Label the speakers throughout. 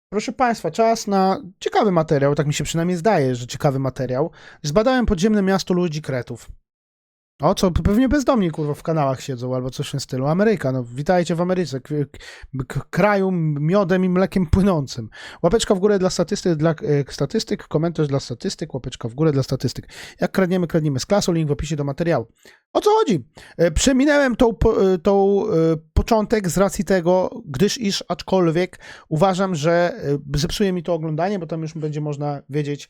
Speaker 1: Proszę Państwa, czas na ciekawy materiał, tak mi się przynajmniej zdaje, że ciekawy materiał. Zbadałem podziemne miasto ludzi kretów. O, co pewnie bezdomni, kurwa, w kanałach siedzą albo coś w tym stylu. Ameryka, no witajcie w Ameryce, kraju miodem i mlekiem płynącym. Łapeczka w górę dla statystyk, komentarz dla statystyk, łapeczka w górę dla statystyk. Jak kradniemy, kradniemy z klasą, link w opisie do materiału. O co chodzi? Przeminęłem początek z racji tego, gdyż aczkolwiek uważam, że zepsuje mi to oglądanie, bo tam już będzie można wiedzieć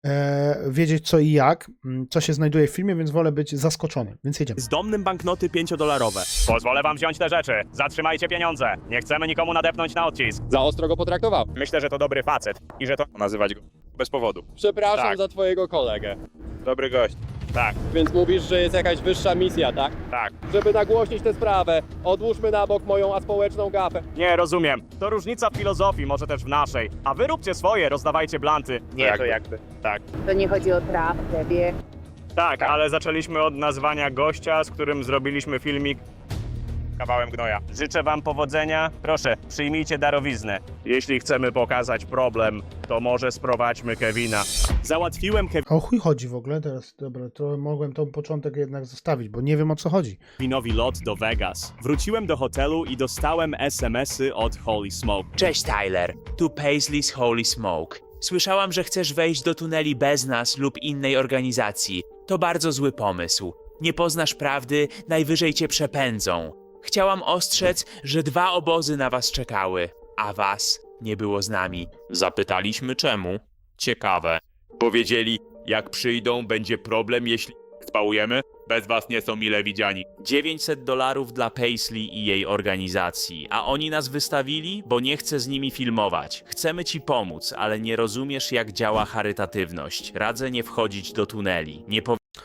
Speaker 1: co i jak, co się znajduje w filmie, więc wolę być zaskoczony, więc jedziemy.
Speaker 2: Bezdomnym banknoty 5-dolarowe.
Speaker 3: Pozwolę wam wziąć te rzeczy. Zatrzymajcie pieniądze. Nie chcemy nikomu nadepnąć na odcisk.
Speaker 4: Za ostro go potraktował.
Speaker 3: Myślę, że to dobry facet i że to nazywać go bez powodu.
Speaker 4: Przepraszam
Speaker 3: Tak.
Speaker 4: za twojego kolegę.
Speaker 3: Dobry gość. Tak,
Speaker 4: Więc mówisz, że jest jakaś wyższa misja, tak?
Speaker 3: tak.
Speaker 4: Żeby nagłośnić tę sprawę, odłóżmy na bok moją aspołeczną gafę.
Speaker 3: Nie, rozumiem. To różnica w filozofii, może też w naszej. A wy róbcie swoje, rozdawajcie blanty. Nie, to jakby. Tak.
Speaker 5: To nie chodzi o prawdę, wie.
Speaker 3: Tak, ale zaczęliśmy od nazwania gościa, z którym zrobiliśmy filmik kawałem gnoja. Życzę wam powodzenia. Proszę, przyjmijcie darowiznę. Jeśli chcemy pokazać problem, to może sprowadźmy Kevina.
Speaker 2: Załatwiłem
Speaker 1: O chuj chodzi w ogóle teraz? Dobra, to mogłem tą początek jednak zostawić, bo nie wiem o co chodzi.
Speaker 2: Kevinowi lot do Vegas. Wróciłem do hotelu i dostałem SMS-y od Holy Smoke.
Speaker 6: Cześć Tyler, tu Paisley's Holy Smoke. Słyszałam, że chcesz wejść do tuneli bez nas lub innej organizacji. To bardzo zły pomysł. Nie poznasz prawdy, najwyżej cię przepędzą. Chciałam ostrzec, że 2 obozy na was czekały, a was nie było z nami.
Speaker 7: Zapytaliśmy czemu. Ciekawe. Powiedzieli, jak przyjdą, będzie problem, jeśli spałujemy. Bez was nie są mile widziani.
Speaker 6: $900 dla Paisley i jej organizacji, a oni nas wystawili, bo nie chcę z nimi filmować. Chcemy ci pomóc, ale nie rozumiesz, jak działa charytatywność. Radzę nie wchodzić do tuneli. Nie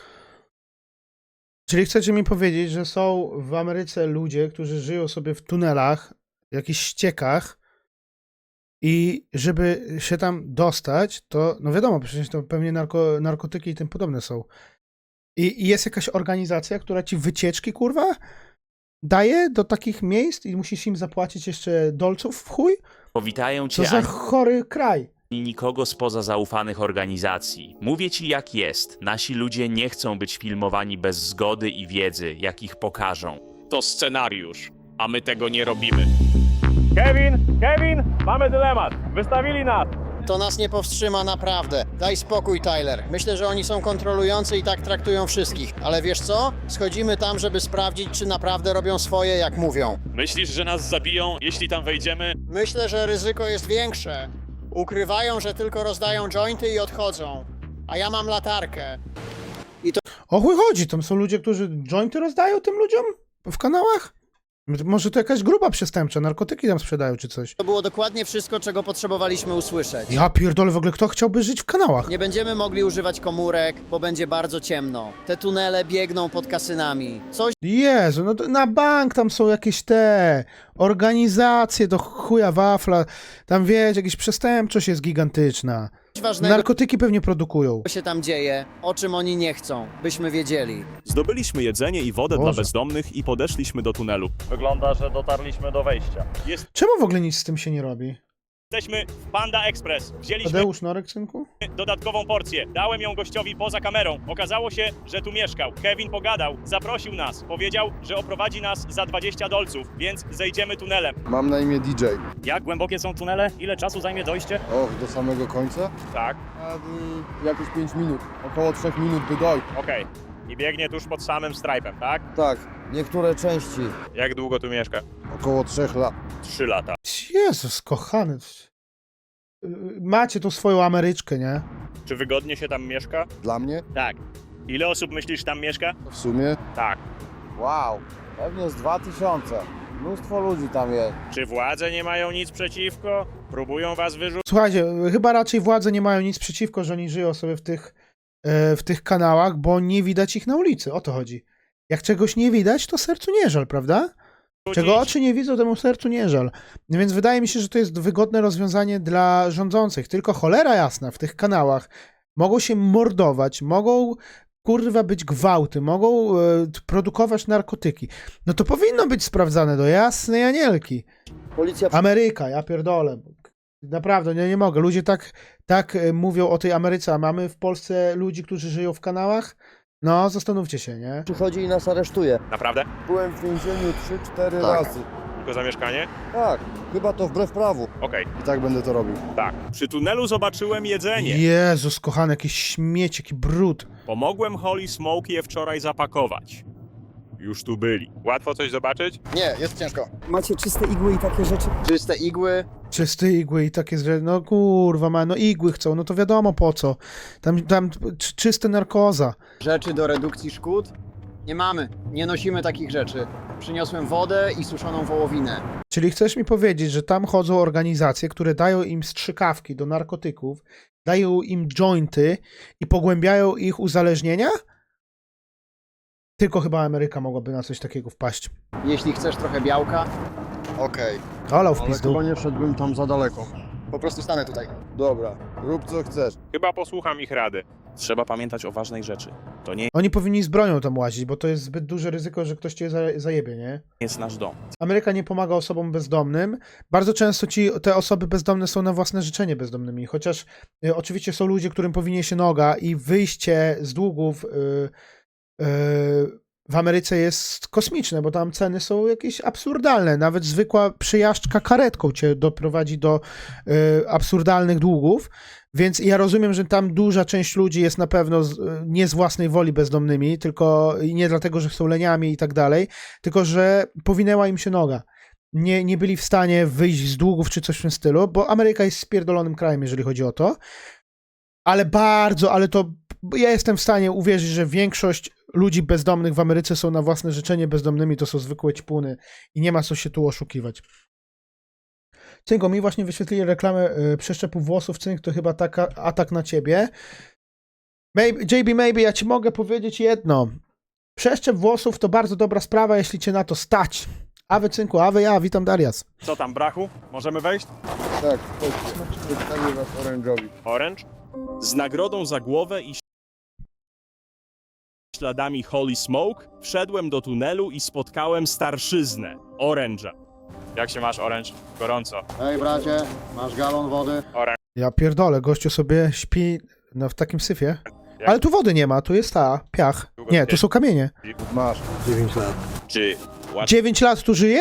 Speaker 1: Czyli chcecie mi powiedzieć, że są w Ameryce ludzie, którzy żyją sobie w tunelach, w jakichś ściekach i żeby się tam dostać, to no wiadomo, przecież to pewnie narkotyki i tym podobne są. I jest jakaś organizacja, która ci wycieczki, kurwa, daje do takich miejsc i musisz im zapłacić jeszcze dolców w chuj?
Speaker 6: powitają
Speaker 1: Co
Speaker 6: cię
Speaker 1: za
Speaker 6: ani
Speaker 1: chory kraj.
Speaker 6: nikogo spoza zaufanych organizacji. Mówię ci jak jest. Nasi ludzie nie chcą być filmowani bez zgody i wiedzy, jak ich pokażą.
Speaker 7: To scenariusz, a my tego nie robimy.
Speaker 3: Kevin, mamy dylemat. Wystawili nas.
Speaker 8: To nas nie powstrzyma naprawdę. Daj spokój, Tyler. Myślę, że oni są kontrolujący i tak traktują wszystkich. Ale wiesz co? Schodzimy tam, żeby sprawdzić, czy naprawdę robią swoje, jak mówią.
Speaker 7: Myślisz, że nas zabiją, jeśli tam wejdziemy?
Speaker 8: Myślę, że ryzyko jest większe. Ukrywają, że tylko rozdają jointy i odchodzą. A ja mam latarkę.
Speaker 1: O chuj chodzi, tam są ludzie, którzy jointy rozdają tym ludziom w kanałach? Może to jakaś grupa przestępcza, narkotyki tam sprzedają czy coś.
Speaker 8: To było dokładnie wszystko, czego potrzebowaliśmy usłyszeć.
Speaker 1: Ja pierdolę, w ogóle kto chciałby żyć w kanałach?
Speaker 8: Nie będziemy mogli używać komórek, bo będzie bardzo ciemno. Te tunele biegną pod kasynami. Coś
Speaker 1: Jezu, no to na bank tam są jakieś te organizacje do chuja wafla, tam wiecie, jakaś przestępczość jest gigantyczna.
Speaker 8: ważnego
Speaker 1: Narkotyki pewnie produkują.
Speaker 8: się tam dzieje, o czym oni nie chcą, byśmy wiedzieli.
Speaker 2: Zdobyliśmy jedzenie i wodę dla
Speaker 1: Boże.
Speaker 2: bezdomnych i podeszliśmy do tunelu.
Speaker 3: Wygląda, że dotarliśmy do wejścia.
Speaker 1: Czemu w ogóle nic z tym się nie robi?
Speaker 3: Jesteśmy w Panda Express. Wzięliśmy
Speaker 1: Tadeusz Norek, synku?
Speaker 3: dodatkową porcję. Dałem ją gościowi poza kamerą. Okazało się, że tu mieszkał. Kevin pogadał, zaprosił nas. Powiedział, że oprowadzi nas za $20, więc zejdziemy tunelem.
Speaker 9: Mam na imię DJ.
Speaker 3: Jak głębokie są tunele? Ile czasu zajmie dojście?
Speaker 9: Och, do samego końca?
Speaker 3: Tak.
Speaker 9: Jakieś 5 minut. Około 3 minut by dojść.
Speaker 3: Okej. I biegnie tuż pod samym strajpem, tak?
Speaker 9: Tak, niektóre części.
Speaker 3: Jak długo tu mieszka?
Speaker 9: Około 3 lat.
Speaker 3: 3 lata.
Speaker 1: Jezus, kochany. Macie tu swoją Ameryczkę, nie?
Speaker 3: Czy wygodnie się tam mieszka?
Speaker 9: Dla mnie?
Speaker 3: Tak. Ile osób myślisz tam mieszka?
Speaker 9: W sumie?
Speaker 3: Tak.
Speaker 10: Wow, pewnie z 2000. Mnóstwo ludzi tam jest.
Speaker 3: Czy władze nie mają nic przeciwko? Próbują was wyrzucić?
Speaker 1: Słuchajcie, chyba raczej władze nie mają nic przeciwko, że oni żyją sobie w tych kanałach, bo nie widać ich na ulicy. O to chodzi. Jak czegoś nie widać, to sercu nie żal, prawda? Czego oczy nie widzą, temu sercu nie żal. Więc wydaje mi się, że to jest wygodne rozwiązanie dla rządzących. Tylko cholera jasna, w tych kanałach mogą się mordować, mogą kurwa być gwałty, mogą produkować narkotyki. No to powinno być sprawdzane do jasnej anielki.
Speaker 8: Policja
Speaker 1: Ameryka, ja pierdolę. Naprawdę, nie mogę. Ludzie tak mówią o tej Ameryce, a mamy w Polsce ludzi, którzy żyją w kanałach? No, zastanówcie się, nie?
Speaker 10: Przychodzi i nas aresztuje.
Speaker 3: Naprawdę?
Speaker 10: Byłem w więzieniu 3-4
Speaker 8: Tak.
Speaker 10: razy.
Speaker 3: Tylko za mieszkanie?
Speaker 10: Tak, chyba to wbrew prawu.
Speaker 3: Okej,
Speaker 10: I tak będę to robił.
Speaker 3: tak. Przy tunelu zobaczyłem jedzenie.
Speaker 1: Jezus, kochany, jakiś śmieć, jaki brud.
Speaker 3: Pomogłem Holy Smoke je wczoraj zapakować. Już tu byli. Łatwo coś zobaczyć?
Speaker 8: Nie, jest ciężko.
Speaker 11: Macie czyste igły i takie rzeczy?
Speaker 8: Czyste igły.
Speaker 1: Czysty igły i takie rzeczy. No kurwa, no igły chcą, no to wiadomo po co. Tam czyste narkoza.
Speaker 8: Rzeczy do redukcji szkód? Nie mamy. Nie nosimy takich rzeczy. Przyniosłem wodę i suszoną wołowinę.
Speaker 1: Czyli chcesz mi powiedzieć, że tam chodzą organizacje, które dają im strzykawki do narkotyków, dają im jointy i pogłębiają ich uzależnienia? Tylko chyba Ameryka mogłaby na coś takiego wpaść.
Speaker 8: Jeśli chcesz trochę białka, okej.
Speaker 1: Olał w
Speaker 10: Ale
Speaker 1: pizdu.
Speaker 10: chyba nie wszedłbym tam za daleko.
Speaker 8: Po prostu stanę tutaj.
Speaker 10: Dobra, rób co chcesz.
Speaker 3: Chyba posłucham ich rady. Trzeba pamiętać o ważnej rzeczy. To nie
Speaker 1: Oni powinni z bronią tam łazić, bo to jest zbyt duże ryzyko, że ktoś cię zajebie, nie?
Speaker 3: jest nasz dom.
Speaker 1: Ameryka nie pomaga osobom bezdomnym. Bardzo często te osoby bezdomne są na własne życzenie bezdomnymi, chociaż oczywiście są ludzie, którym powinie się noga i wyjście z długów w Ameryce jest kosmiczne, bo tam ceny są jakieś absurdalne. Nawet zwykła przejażdżka karetką cię doprowadzi do absurdalnych długów. Więc ja rozumiem, że tam duża część ludzi jest na pewno nie z własnej woli bezdomnymi, tylko i nie dlatego, że są leniami i tak dalej, tylko że powinęła im się noga. Nie byli w stanie wyjść z długów czy coś w tym stylu, bo Ameryka jest spierdolonym krajem, jeżeli chodzi o to. Ale ja jestem w stanie uwierzyć, że większość ludzi bezdomnych w Ameryce są na własne życzenie bezdomnymi, to są zwykłe ćpuny i nie ma co się tu oszukiwać. Cynko, mi właśnie wyświetlili reklamę przeszczepu włosów, Cynk, to chyba atak na ciebie. Maybe, ja ci mogę powiedzieć jedno. Przeszczep włosów to bardzo dobra sprawa, jeśli cię na to stać. Awe Cynku, awe ja, witam Darias.
Speaker 3: Co tam, brachu? Możemy wejść?
Speaker 10: Tak, chodźcie. Przedstawię was orężowi.
Speaker 3: Orange? Z nagrodą za głowę i śladami Holy Smoke wszedłem do tunelu i spotkałem starszyznę, Orange'a. Jak się masz, Orange? Gorąco.
Speaker 8: Hej bracie, masz galon wody?
Speaker 1: Ja pierdolę, gościu sobie śpi w takim syfie. Ale tu wody nie ma, tu jest piach. Nie, tu są kamienie.
Speaker 10: Masz.
Speaker 9: 9 lat.
Speaker 3: Czy
Speaker 1: 9 lat tu żyje?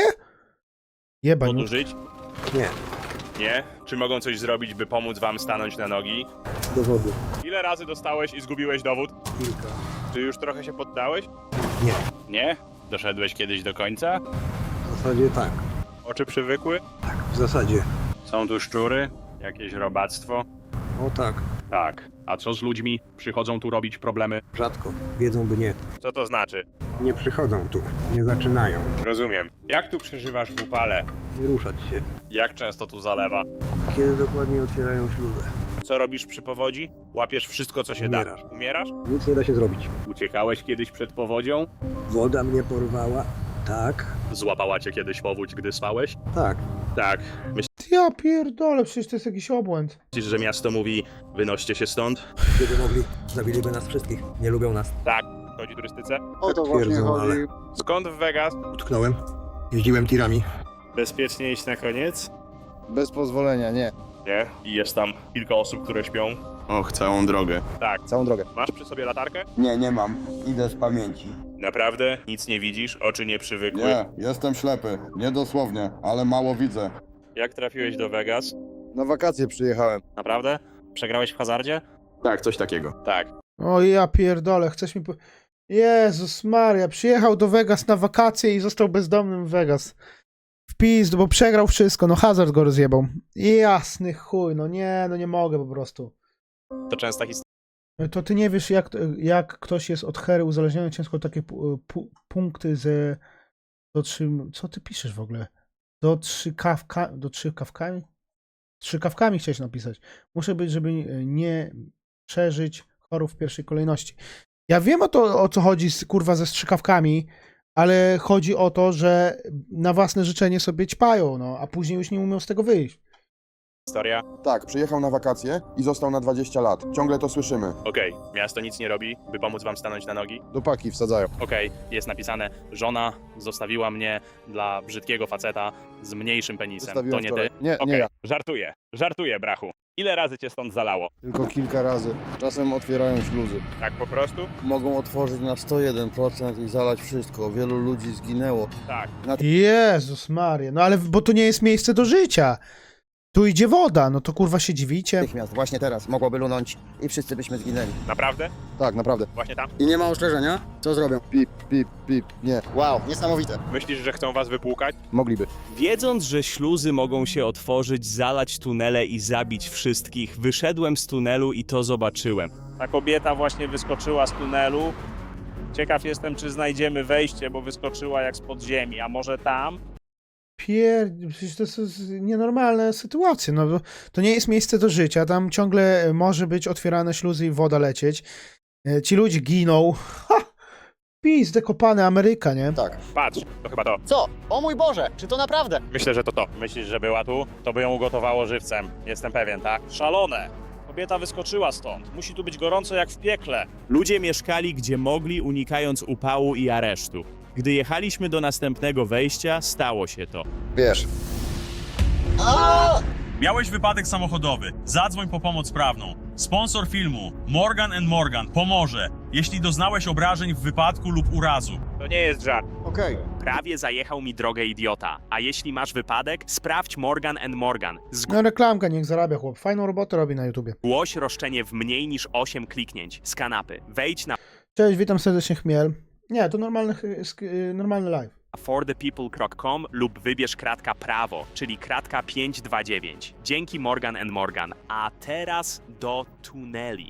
Speaker 1: Jeba,
Speaker 3: łatwo tu żyć?
Speaker 9: Nie.
Speaker 3: Nie? Czy mogą coś zrobić, by pomóc wam stanąć na nogi?
Speaker 9: Dowody.
Speaker 3: Ile razy dostałeś i zgubiłeś dowód?
Speaker 9: Kilka.
Speaker 3: Czy już trochę się poddałeś?
Speaker 9: Nie.
Speaker 3: Nie? Doszedłeś kiedyś do końca?
Speaker 9: W zasadzie tak.
Speaker 3: Oczy przywykły?
Speaker 9: Tak, w zasadzie.
Speaker 3: Są tu szczury? Jakieś robactwo?
Speaker 9: O tak.
Speaker 3: Tak. A co z ludźmi? Przychodzą tu robić problemy?
Speaker 9: Rzadko. Wiedzą by nie.
Speaker 3: Co to znaczy?
Speaker 9: Nie przychodzą tu. Nie zaczynają.
Speaker 3: Rozumiem. Jak tu przeżywasz w upale?
Speaker 9: Nie ruszać się.
Speaker 3: Jak często tu zalewa?
Speaker 9: Kiedy dokładnie otwierają śluzę?
Speaker 3: Co robisz przy powodzi? Łapiesz wszystko, co się
Speaker 9: Umierasz.
Speaker 3: da. Umierasz?
Speaker 9: Nic nie da się zrobić.
Speaker 3: Uciekałeś kiedyś przed powodzią?
Speaker 9: Woda mnie porwała. Tak.
Speaker 3: Złapała cię kiedyś powódź, gdy spałeś?
Speaker 9: Tak.
Speaker 3: Tak.
Speaker 1: Ja pierdolę, przecież to jest jakiś obłęd.
Speaker 3: Myślisz, że miasto mówi, wynoście się stąd?
Speaker 9: Gdyby mogli, zabiliby nas wszystkich. Nie lubią nas.
Speaker 3: Tak. Chodzi o turystyce?
Speaker 8: O to właśnie
Speaker 9: Twierdzą,
Speaker 8: chodzi.
Speaker 9: ale-
Speaker 3: Skąd w Vegas?
Speaker 9: Utknąłem. Jeździłem tirami.
Speaker 3: Bezpiecznie iść na koniec?
Speaker 10: Bez pozwolenia, nie.
Speaker 3: Nie. I jest tam kilka osób, które śpią?
Speaker 10: Och, całą drogę.
Speaker 3: Tak.
Speaker 10: Całą drogę.
Speaker 3: Masz przy sobie latarkę?
Speaker 10: Nie mam. Idę z pamięci.
Speaker 3: Naprawdę? Nic nie widzisz? Oczy nie przywykły?
Speaker 10: jestem ślepy. Nie dosłownie, ale mało widzę.
Speaker 3: Jak trafiłeś do Vegas?
Speaker 10: Na wakacje przyjechałem.
Speaker 3: Naprawdę? Przegrałeś w hazardzie?
Speaker 10: Tak, coś takiego.
Speaker 3: Tak.
Speaker 1: O ja pierdolę, chcesz mi... Jezus Maria, przyjechał do Vegas na wakacje i został bezdomnym w Vegas. W pizdu, bo przegrał wszystko, no hazard go rozjebał. Jasny chuj, no nie mogę po prostu.
Speaker 3: To częsta historia.
Speaker 1: To ty nie wiesz, jak ktoś jest od hery uzależniony, ciężko takie punkty ze... Co ty piszesz w ogóle? Do 3 kawkami? 3 kawkami chciałeś napisać. Muszę być, żeby nie przeżyć chorób w pierwszej kolejności. Ja wiem o co chodzi kurwa ze strzykawkami, ale chodzi o to, że na własne życzenie sobie ćpają, no, a później już nie umią z tego wyjść.
Speaker 3: Historia?
Speaker 9: Tak, przyjechał na wakacje i został na 20 lat. Ciągle to słyszymy.
Speaker 3: Okej, miasto nic nie robi, by pomóc wam stanąć na nogi.
Speaker 9: Do paki wsadzają.
Speaker 3: Okej, jest napisane, żona zostawiła mnie dla brzydkiego faceta z mniejszym penisem.
Speaker 9: Zostawiłem
Speaker 3: To nie
Speaker 9: wczoraj.
Speaker 3: ty?
Speaker 9: Nie,
Speaker 3: Okej,
Speaker 9: nie ja.
Speaker 3: żartuję, brachu. Ile razy cię stąd zalało?
Speaker 9: Tylko kilka razy. Czasem otwierają śluzy.
Speaker 3: Tak po prostu?
Speaker 9: Mogą otworzyć na 101% i zalać wszystko. Wielu ludzi zginęło.
Speaker 3: Tak.
Speaker 1: Jezus Maria, no ale bo to nie jest miejsce do życia. Tu idzie woda, no to kurwa się dziwicie.
Speaker 8: Natychmiast, właśnie teraz, mogłoby lunąć i wszyscy byśmy zginęli.
Speaker 3: Naprawdę?
Speaker 9: Tak, naprawdę.
Speaker 3: Właśnie tam?
Speaker 8: I nie ma ostrzeżenia? Co zrobią?
Speaker 9: Pip, pip, pip. Nie.
Speaker 8: Wow, niesamowite.
Speaker 3: Myślisz, że chcą was wypłukać?
Speaker 9: Mogliby.
Speaker 2: Wiedząc, że śluzy mogą się otworzyć, zalać tunele i zabić wszystkich, wyszedłem z tunelu i to zobaczyłem.
Speaker 3: Ta kobieta właśnie wyskoczyła z tunelu. Ciekaw jestem, czy znajdziemy wejście, bo wyskoczyła jak z podziemi, a może tam?
Speaker 1: Przecież to jest nienormalna sytuacja. No, to nie jest miejsce do życia. Tam ciągle może być otwierane śluzy i woda lecieć. Ci ludzie giną. Ha! Pizdę kopany Ameryka, nie?
Speaker 8: Tak.
Speaker 3: Patrz, to chyba to.
Speaker 8: Co? O mój Boże, czy to naprawdę?
Speaker 3: Myślę, że to to. Myślisz, że była tu? To by ją ugotowało żywcem. Jestem pewien, tak? Szalone! Kobieta wyskoczyła stąd. Musi tu być gorąco jak w piekle.
Speaker 2: Ludzie mieszkali gdzie mogli, unikając upału i aresztu. Gdy jechaliśmy do następnego wejścia, stało się to.
Speaker 8: Wiesz.
Speaker 12: Miałeś wypadek samochodowy. Zadzwoń po pomoc prawną. Sponsor filmu Morgan & Morgan pomoże, jeśli doznałeś obrażeń w wypadku lub urazu.
Speaker 3: To nie jest żart.
Speaker 8: Okej.
Speaker 2: Prawie zajechał mi drogę idiota. A jeśli masz wypadek, sprawdź Morgan & Morgan.
Speaker 1: No reklamka, niech zarabia chłop. Fajną robotę robi na YouTubie.
Speaker 2: Zgłoś roszczenie w mniej niż 8 kliknięć z kanapy. Wejdź na
Speaker 1: Cześć, witam serdecznie Chmiel. Nie, to normalny live.
Speaker 2: forthepeople.com lub wybierz kratka prawo, czyli kratka 529. Dzięki Morgan & Morgan. A teraz do tuneli.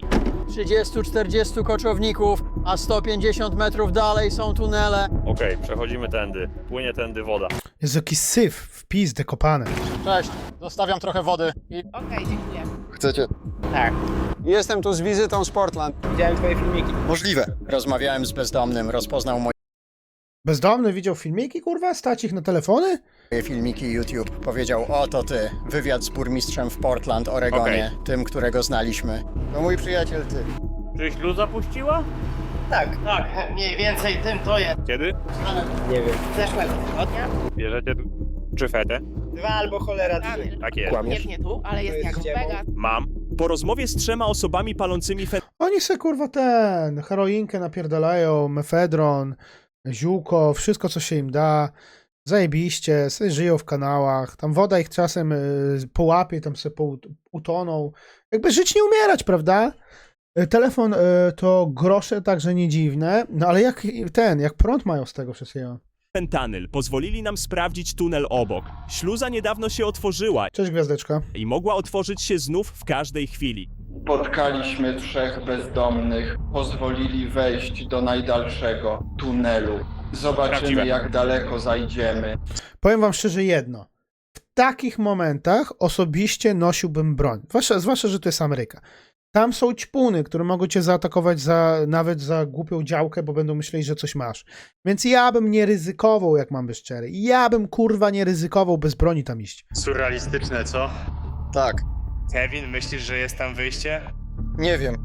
Speaker 8: 30-40 koczowników, a 150 metrów dalej są tunele.
Speaker 3: Okej, przechodzimy tędy. Płynie tędy woda.
Speaker 1: Jest jakiś syf w pizdę kopany.
Speaker 8: Cześć, zostawiam trochę wody.
Speaker 5: Okej, dziękuję.
Speaker 9: Chcecie?
Speaker 5: Tak.
Speaker 8: Jestem tu z wizytą z Portland.
Speaker 5: Widziałem twoje filmiki.
Speaker 8: Możliwe. Rozmawiałem z bezdomnym, rozpoznał
Speaker 1: Bezdomny widział filmiki, kurwa? Stać ich na telefony?
Speaker 8: moje filmiki YouTube. Powiedział, oto ty, wywiad z burmistrzem w Portland, Oregonie, tym, którego znaliśmy. To mój przyjaciel, ty.
Speaker 3: Czy śluza puściła?
Speaker 5: Tak, mniej więcej tym to jest.
Speaker 3: Kiedy?
Speaker 5: Nie wiem. Zeszłego tygodnia?
Speaker 3: Bierzecie tu czyfetę?
Speaker 5: 2 albo cholera 3.
Speaker 3: Tak jest.
Speaker 5: Nie tu, ale jest jak Vegas.
Speaker 3: Mam.
Speaker 2: Po rozmowie z 3 osobami palącymi
Speaker 1: Oni se kurwa heroinkę napierdalają, mefedron, ziółko, wszystko co się im da. Zajebiście, sobie żyją w kanałach. Tam woda ich czasem połapie, tam se utoną. Jakby żyć nie umierać, prawda? Telefon to grosze także nie dziwne, no ale jak prąd mają z tego wszystkiego.
Speaker 2: fentanyl pozwolili nam sprawdzić tunel obok. Śluza niedawno się otworzyła
Speaker 1: Cześć gwiazdeczka.
Speaker 2: i mogła otworzyć się znów w każdej chwili.
Speaker 13: Spotkaliśmy 3 bezdomnych. Pozwolili wejść do najdalszego tunelu. Zobaczymy,
Speaker 3: Prawdziwe.
Speaker 13: jak daleko zajdziemy.
Speaker 1: Powiem wam szczerze jedno. W takich momentach osobiście nosiłbym broń. Zwłaszcza, że to jest Ameryka. Tam są ćpuny, które mogą cię zaatakować nawet za głupią działkę, bo będą myśleli, że coś masz. Więc ja bym nie ryzykował, jak mam być szczery. Ja bym kurwa nie ryzykował bez broni tam iść.
Speaker 3: Surrealistyczne, co?
Speaker 8: Tak.
Speaker 3: Kevin, myślisz, że jest tam wyjście?
Speaker 8: Nie wiem.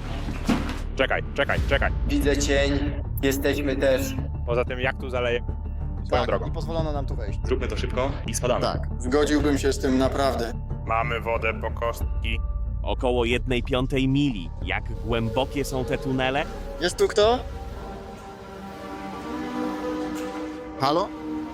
Speaker 3: Czekaj.
Speaker 13: Widzę cień. Jesteśmy też.
Speaker 3: Poza tym, jak tu zaleje? Swoją drogą.
Speaker 8: Nie pozwolono nam tu wejść.
Speaker 3: Zróbmy to szybko i spadamy.
Speaker 8: Tak, zgodziłbym się z tym naprawdę.
Speaker 3: Mamy wodę po kostki.
Speaker 2: Około 1/5 mili. Jak głębokie są te tunele?
Speaker 8: Jest tu kto? Halo?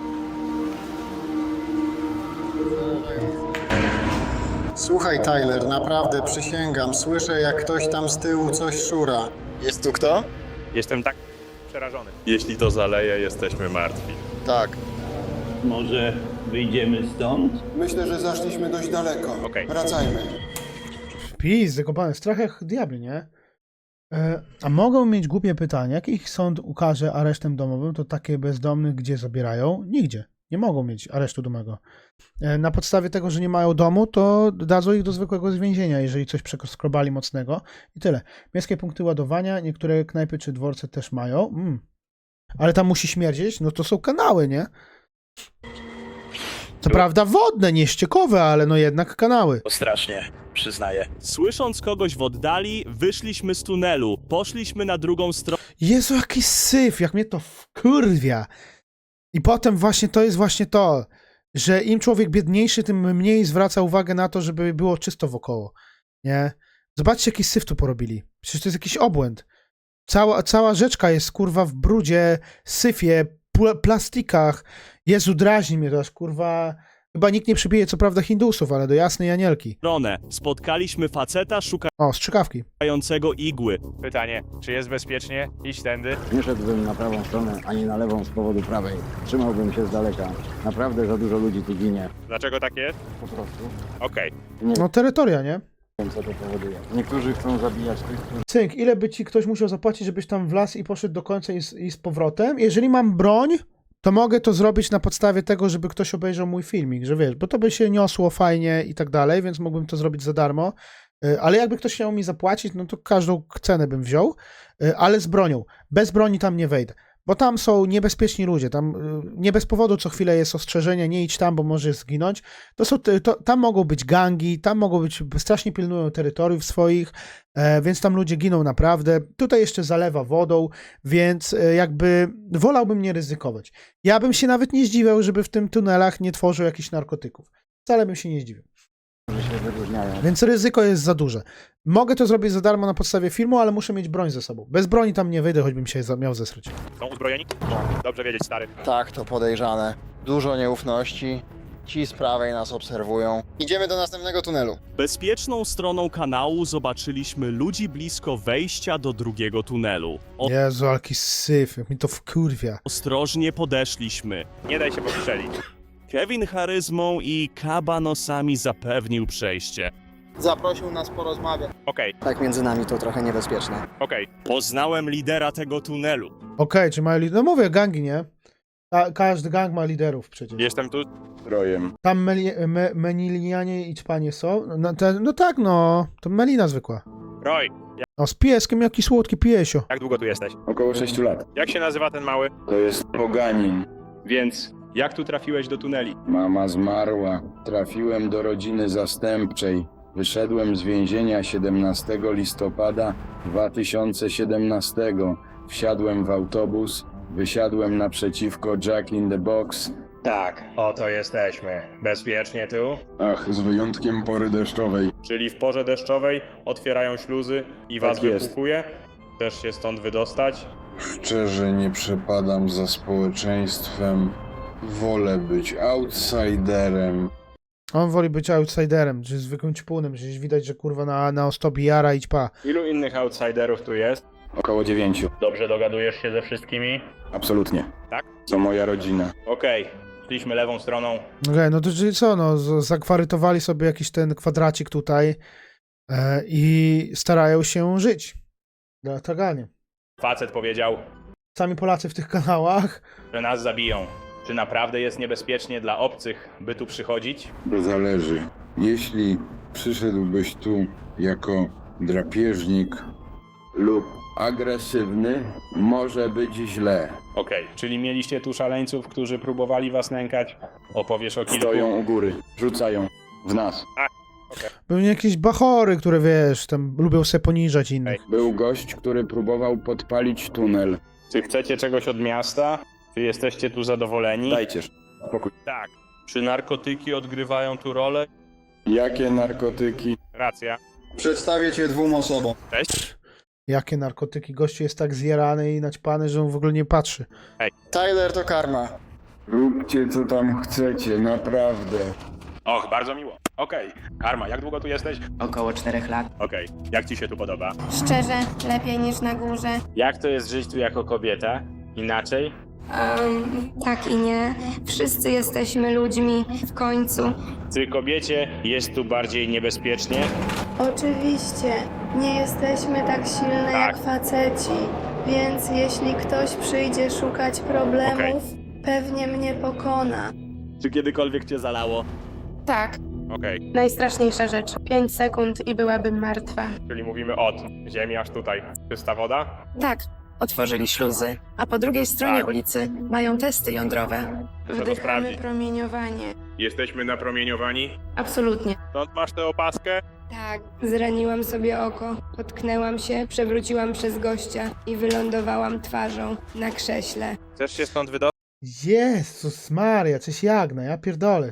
Speaker 8: Słuchaj, Tyler, naprawdę przysięgam, słyszę jak ktoś tam z tyłu coś szura. Jest tu kto?
Speaker 3: Jestem tak przerażony. Jeśli to zaleje, jesteśmy martwi.
Speaker 8: Tak.
Speaker 12: Może wyjdziemy stąd?
Speaker 9: Myślę, że zaszliśmy dość daleko.
Speaker 3: Okej.
Speaker 9: Wracajmy.
Speaker 1: Pizdy kopany, strach jak diabli, nie? A mogą mieć głupie pytanie. Jak ich sąd ukaże aresztem domowym, to takie bezdomnych gdzie zabierają? Nigdzie. Nie mogą mieć aresztu domowego. Na podstawie tego, że nie mają domu, to dadzą ich do zwykłego więzienia, jeżeli coś przeskrobali mocnego. I tyle. Miejskie punkty ładowania, niektóre knajpy czy dworce też mają. Ale tam musi śmierdzieć? No to są kanały, nie? Co prawda wodne, nie ściekowe, ale no jednak kanały.
Speaker 3: Strasznie, przyznaję. Słysząc kogoś w oddali, wyszliśmy z tunelu, poszliśmy na drugą stronę.
Speaker 1: Jezu, jaki syf, jak mnie to wkurwia. I potem właśnie to jest właśnie to, że im człowiek biedniejszy, tym mniej zwraca uwagę na to, żeby było czysto wokoło, nie? Zobaczcie, jaki syf tu porobili. Przecież to jest jakiś obłęd. Cała rzeczka jest, kurwa, w brudzie, syfie, plastikach. Jezu, drażni mnie to aż, kurwa... Chyba nikt nie przybije, co prawda, Hindusów, ale do jasnej Anielki.
Speaker 3: Spotkaliśmy faceta
Speaker 1: O, strzykawki.
Speaker 3: szukającego igły. Pytanie, czy jest bezpiecznie iść tędy?
Speaker 10: Nie szedłbym na prawą stronę, ani na lewą z powodu prawej. Trzymałbym się z daleka. Naprawdę za dużo ludzi tu ginie.
Speaker 3: Dlaczego tak jest?
Speaker 10: Po prostu.
Speaker 3: Okej.
Speaker 10: Nie
Speaker 1: No, terytoria, nie?
Speaker 10: wiem, co to powoduje. Niektórzy chcą zabijać tych, którzy...
Speaker 1: Cynk, ile by ci ktoś musiał zapłacić, żebyś tam wlazł i poszedł do końca i z powrotem? Jeżeli mam broń, to mogę to zrobić na podstawie tego, żeby ktoś obejrzał mój filmik, że wiesz, bo to by się niosło fajnie i tak dalej, więc mógłbym to zrobić za darmo, ale jakby ktoś chciał mi zapłacić, no to każdą cenę bym wziął, ale z bronią. Bez broni tam nie wejdę, bo tam są niebezpieczni ludzie, tam nie bez powodu co chwilę jest ostrzeżenie, nie idź tam, bo możesz zginąć. Tam mogą być gangi, tam mogą być, strasznie pilnują terytoriów swoich, więc tam ludzie giną naprawdę. Tutaj jeszcze zalewa wodą, więc jakby wolałbym nie ryzykować. Ja bym się nawet nie zdziwiał, żeby w tym tunelach nie tworzył jakichś narkotyków. Wcale bym się nie zdziwił.
Speaker 10: się wyróżniają.
Speaker 1: Więc ryzyko jest za duże. Mogę to zrobić za darmo na podstawie filmu, ale muszę mieć broń ze sobą. Bez broni tam nie wyjdę, choćbym się miał zesrać.
Speaker 3: Są uzbrojeni? Dobrze wiedzieć, stary.
Speaker 8: Tak, to podejrzane. Dużo nieufności. Ci z prawej nas obserwują. Idziemy do następnego tunelu.
Speaker 3: Bezpieczną stroną kanału zobaczyliśmy ludzi blisko wejścia do drugiego tunelu.
Speaker 1: Jezu, jaki syf, jak mi to wkurwia.
Speaker 3: Ostrożnie podeszliśmy. Nie daj się postrzelić. Kevin charyzmą i kabanosami zapewnił przejście.
Speaker 8: Zaprosił nas porozmawiać.
Speaker 3: Okej,
Speaker 8: Tak między nami to trochę niebezpieczne.
Speaker 3: okej. Poznałem lidera tego tunelu.
Speaker 1: Okej, czy mają liderów? No mówię, gangi, nie? Każdy gang ma liderów przecież.
Speaker 3: Jestem tu.
Speaker 10: Rojem.
Speaker 1: Tam Menilianie i Czpanie są? No tak, no. To Melina zwykła.
Speaker 3: Roy,
Speaker 1: O, z pieskiem, jaki słodki piesio.
Speaker 3: jak długo tu jesteś?
Speaker 10: Około 6 lat.
Speaker 3: Jak się nazywa ten mały?
Speaker 10: To jest poganin.
Speaker 3: Więc, jak tu trafiłeś do tuneli?
Speaker 10: Mama zmarła. Trafiłem do rodziny zastępczej. Wyszedłem z więzienia 17 listopada 2017. Wsiadłem w autobus. Wysiadłem naprzeciwko Jack in the Box.
Speaker 3: Tak, oto jesteśmy. Bezpiecznie tu?
Speaker 10: Ach, z wyjątkiem pory deszczowej.
Speaker 3: Czyli w porze deszczowej otwierają śluzy i was
Speaker 10: Tak jest.
Speaker 3: wypukuje? Chcesz się stąd wydostać?
Speaker 10: Szczerze nie przepadam za społeczeństwem. Wolę być outsiderem.
Speaker 1: On woli być outsiderem, czy zwykłym ćpunem, przecież widać, że kurwa na ostobi jara i ćpa.
Speaker 3: Ilu innych outsiderów tu jest?
Speaker 10: Około 9.
Speaker 3: Dobrze dogadujesz się ze wszystkimi?
Speaker 10: Absolutnie.
Speaker 3: Tak?
Speaker 10: To moja rodzina.
Speaker 3: Okej, szliśmy lewą stroną.
Speaker 1: Okej, no to czyli co, no, zakwarytowali sobie jakiś ten kwadracik tutaj i starają się żyć. Dla taganie.
Speaker 3: Facet powiedział,
Speaker 1: Sami Polacy w tych kanałach.
Speaker 3: że nas zabiją. Czy naprawdę jest niebezpiecznie dla obcych, by tu przychodzić?
Speaker 10: To zależy. Jeśli przyszedłbyś tu jako drapieżnik lub agresywny, może być źle.
Speaker 3: Okej, czyli mieliście tu szaleńców, którzy próbowali was nękać? Opowiesz o kilku?
Speaker 10: Stoją u góry, rzucają w nas.
Speaker 1: Pewnie jakieś bachory, które wiesz, tam lubią se poniżać innych.
Speaker 10: Był gość, który próbował podpalić tunel.
Speaker 3: Czy chcecie czegoś od miasta? Czy jesteście tu zadowoleni?
Speaker 10: Dajcie spokój.
Speaker 3: Tak. Czy narkotyki odgrywają tu rolę?
Speaker 10: Jakie narkotyki?
Speaker 3: Racja.
Speaker 8: Przedstawię cię 2 osobom.
Speaker 3: Cześć.
Speaker 1: Jakie narkotyki? Gościu jest tak zjarany i naćpany, że on w ogóle nie patrzy.
Speaker 8: Tyler to karma.
Speaker 10: Róbcie co tam chcecie, naprawdę.
Speaker 3: Och, bardzo miło. Okej. Karma, jak długo tu jesteś?
Speaker 5: Około 4 lat.
Speaker 3: Okej. Jak ci się tu podoba?
Speaker 14: Szczerze, lepiej niż na górze.
Speaker 3: Jak to jest żyć tu jako kobieta? Inaczej?
Speaker 14: Tak i nie. Wszyscy jesteśmy ludźmi w końcu.
Speaker 3: Czy kobiecie jest tu bardziej niebezpiecznie?
Speaker 14: Oczywiście, nie jesteśmy tak silne jak faceci, więc jeśli ktoś przyjdzie szukać problemów, pewnie mnie pokona.
Speaker 3: Czy kiedykolwiek cię zalało?
Speaker 14: Tak,
Speaker 3: Okej.
Speaker 14: najstraszniejsza rzecz. 5 sekund i byłabym martwa.
Speaker 3: Czyli mówimy od ziemi aż tutaj. Czysta woda?
Speaker 14: Tak,
Speaker 5: otworzyli śluzy, a po drugiej stronie ulicy mają testy jądrowe.
Speaker 14: Wdychamy
Speaker 3: sprawdzić.
Speaker 14: promieniowanie.
Speaker 3: Jesteśmy napromieniowani.
Speaker 14: Absolutnie.
Speaker 3: Stąd masz tę opaskę?
Speaker 14: Tak, zraniłam sobie oko, potknęłam się, przewróciłam przez gościa i wylądowałam twarzą na krześle.
Speaker 3: Chcesz się stąd wydostać?
Speaker 1: Jezus Maria, coś jagna, ja pierdolę.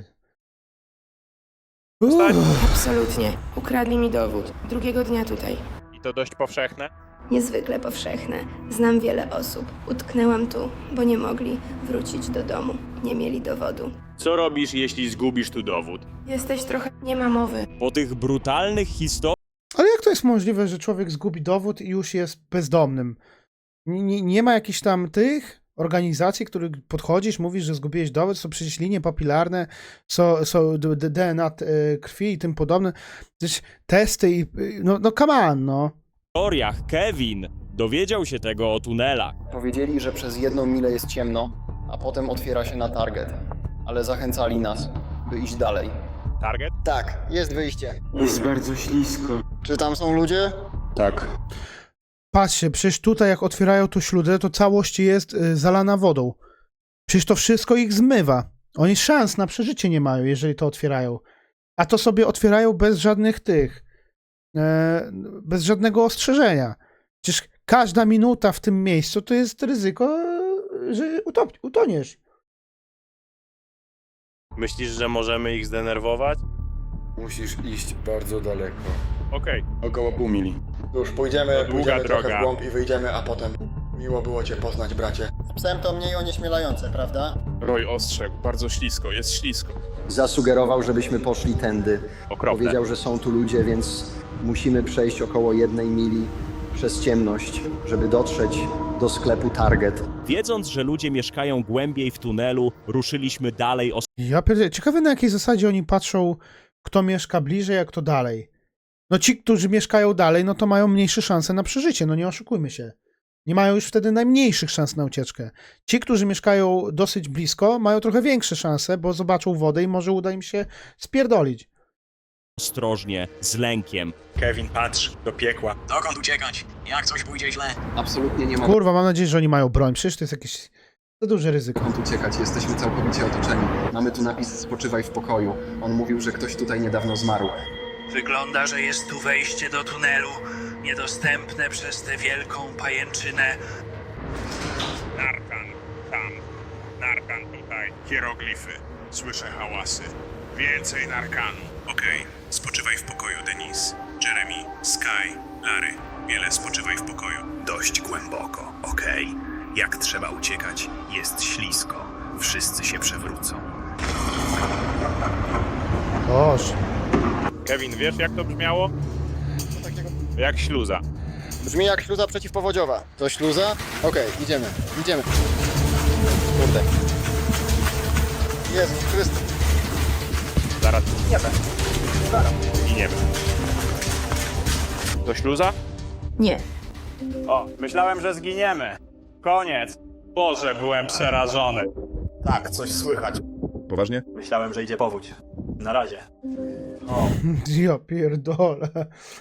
Speaker 14: Absolutnie. Ukradli mi dowód. Drugiego dnia tutaj.
Speaker 3: I to dość powszechne?
Speaker 14: Niezwykle powszechne. Znam wiele osób. Utknęłam tu, bo nie mogli wrócić do domu. Nie mieli dowodu.
Speaker 3: Co robisz, jeśli zgubisz tu dowód?
Speaker 14: Jesteś trochę... Nie ma mowy.
Speaker 12: Po tych brutalnych historiach
Speaker 1: Ale jak to jest możliwe, że człowiek zgubi dowód i już jest bezdomnym? Nie ma jakichś tam tych organizacji, których podchodzisz, mówisz, że zgubiłeś dowód, są przecież linie papilarne, są DNA krwi i tym podobne. Przecież testy i... No come on, no.
Speaker 12: Kevin dowiedział się tego o tunelach.
Speaker 13: Powiedzieli, że przez 1 milę jest ciemno, a potem otwiera się na target. Ale zachęcali nas, by iść dalej.
Speaker 3: Target?
Speaker 13: Tak, jest wyjście.
Speaker 10: Jest bardzo ślisko.
Speaker 13: Czy tam są ludzie?
Speaker 10: Tak.
Speaker 1: Patrzcie, przecież tutaj jak otwierają tu śludę, to całość jest zalana wodą. Przecież to wszystko ich zmywa. Oni szans na przeżycie nie mają, jeżeli to otwierają. A to sobie otwierają bez żadnych tych, bez żadnego ostrzeżenia. Przecież każda minuta w tym miejscu to jest ryzyko, że utoniesz.
Speaker 3: Myślisz, że możemy ich zdenerwować?
Speaker 10: Musisz iść bardzo daleko.
Speaker 3: Okej.
Speaker 10: Około pół mili.
Speaker 13: Już pójdziemy,
Speaker 3: To długa droga.
Speaker 13: i wyjdziemy, a potem... Miło było cię poznać, bracie. Z psem to mniej onieśmielające, prawda?
Speaker 7: Roy ostrzegł, bardzo ślisko, jest ślisko.
Speaker 13: Zasugerował, żebyśmy poszli tędy.
Speaker 3: Okropne.
Speaker 13: Powiedział, że są tu ludzie, więc musimy przejść około 1 mili przez ciemność, żeby dotrzeć do sklepu Target.
Speaker 12: Wiedząc, że ludzie mieszkają głębiej w tunelu, ruszyliśmy dalej
Speaker 1: Ja pierdzielę, ciekawe na jakiej zasadzie oni patrzą, kto mieszka bliżej, a kto dalej. No ci, którzy mieszkają dalej, no to mają mniejsze szanse na przeżycie, no nie oszukujmy się. Nie mają już wtedy najmniejszych szans na ucieczkę. Ci, którzy mieszkają dosyć blisko, mają trochę większe szanse, bo zobaczą wodę i może uda im się spierdolić.
Speaker 12: ostrożnie, z lękiem.
Speaker 3: Kevin, patrz, do piekła.
Speaker 13: Dokąd uciekać? Jak coś pójdzie źle? Absolutnie nie ma
Speaker 1: Kurwa, mam nadzieję, że oni mają broń, przecież to jest jakieś za duże ryzyko.
Speaker 13: dokąd uciekać, jesteśmy całkowicie otoczeni. Mamy tu napis spoczywaj w pokoju. On mówił, że ktoś tutaj niedawno zmarł.
Speaker 6: Wygląda, że jest tu wejście do tunelu, niedostępne przez tę wielką pajęczynę.
Speaker 3: Narkan, tam. Narkan tutaj. Hieroglify. Słyszę hałasy. Więcej narkanu.
Speaker 12: Okej, spoczywaj w pokoju, Denise. Jeremy, Sky, Larry, wiele spoczywaj w pokoju.
Speaker 2: Dość głęboko, okej. Jak trzeba uciekać, jest ślisko. Wszyscy się przewrócą.
Speaker 1: Boż.
Speaker 3: Kevin, wiesz jak to brzmiało? Jak śluza.
Speaker 13: Brzmi jak śluza przeciwpowodziowa. To śluza? Okej, idziemy. Kurde. Jezus Chrystus.
Speaker 3: Zaraz. I nie wiem. To śluza?
Speaker 14: Nie.
Speaker 3: O, myślałem, że zginiemy. Koniec. Boże, byłem przerażony.
Speaker 13: Tak, coś słychać.
Speaker 7: Poważnie?
Speaker 3: Myślałem, że idzie powódź. Na razie.
Speaker 1: Ja pierdolę.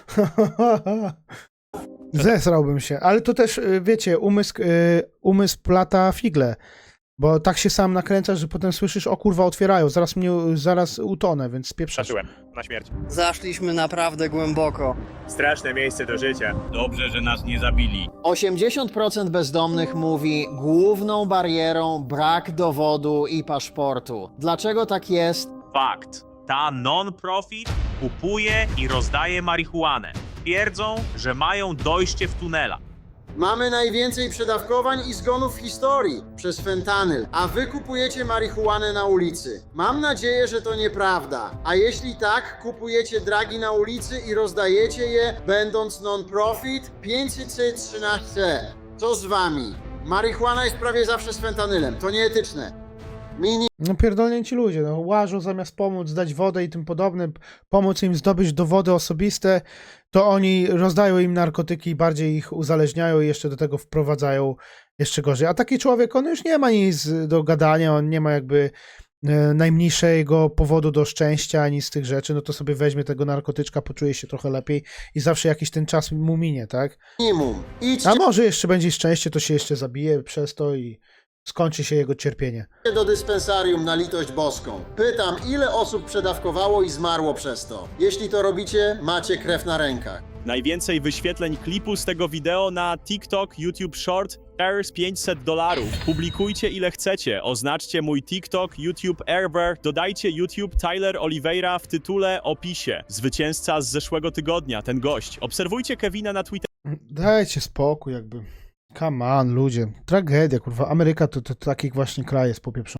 Speaker 1: Zesrałbym się, ale to też, wiecie, umysł plata figle, bo tak się sam nakręcasz, że potem słyszysz, o kurwa, otwierają, zaraz utonę, więc spieprzasz.
Speaker 3: Zacząłem. Na śmierć.
Speaker 13: Zaszliśmy naprawdę głęboko.
Speaker 3: Straszne miejsce do życia.
Speaker 12: Dobrze, że nas nie zabili.
Speaker 8: 80% bezdomnych mówi, główną barierą brak dowodu i paszportu. Dlaczego tak jest?
Speaker 12: Fakt. Ta non-profit kupuje i rozdaje marihuanę. Twierdzą, że mają dojście w tunela.
Speaker 8: Mamy najwięcej przedawkowań i zgonów w historii przez fentanyl, a wy kupujecie marihuanę na ulicy. Mam nadzieję, że to nieprawda. A jeśli tak, kupujecie dragi na ulicy i rozdajecie je, będąc non-profit 513. Co z wami? Marihuana jest prawie zawsze z fentanyl. To nieetyczne.
Speaker 1: No pierdolnięci ludzie, no łażą zamiast pomóc, dać wodę i tym podobne, pomóc im zdobyć dowody osobiste, to oni rozdają im narkotyki i bardziej ich uzależniają i jeszcze do tego wprowadzają jeszcze gorzej. A taki człowiek, on już nie ma nic do gadania, on nie ma jakby najmniejszego powodu do szczęścia ani z tych rzeczy, no to sobie weźmie tego narkotyczka, poczuje się trochę lepiej i zawsze jakiś ten czas mu minie, tak?
Speaker 8: Minimum. Idźcie
Speaker 1: A może jeszcze będzie szczęście, to się jeszcze zabije przez to i skończy się jego cierpienie.
Speaker 8: do dyspensarium na litość boską. Pytam, ile osób przedawkowało i zmarło przez to? Jeśli to robicie, macie krew na rękach.
Speaker 2: Najwięcej wyświetleń klipu z tego wideo na TikTok, YouTube Short, Airs $500. Publikujcie ile chcecie, oznaczcie mój TikTok, YouTube Airbear, dodajcie YouTube Tyler Oliveira w tytule, opisie. Zwycięzca z zeszłego tygodnia, ten gość. Obserwujcie Kevina na Twitterze.
Speaker 1: Dajcie spokój jakby. Come on, ludzie. Tragedia, kurwa. Ameryka to taki właśnie kraj jest popieprzony.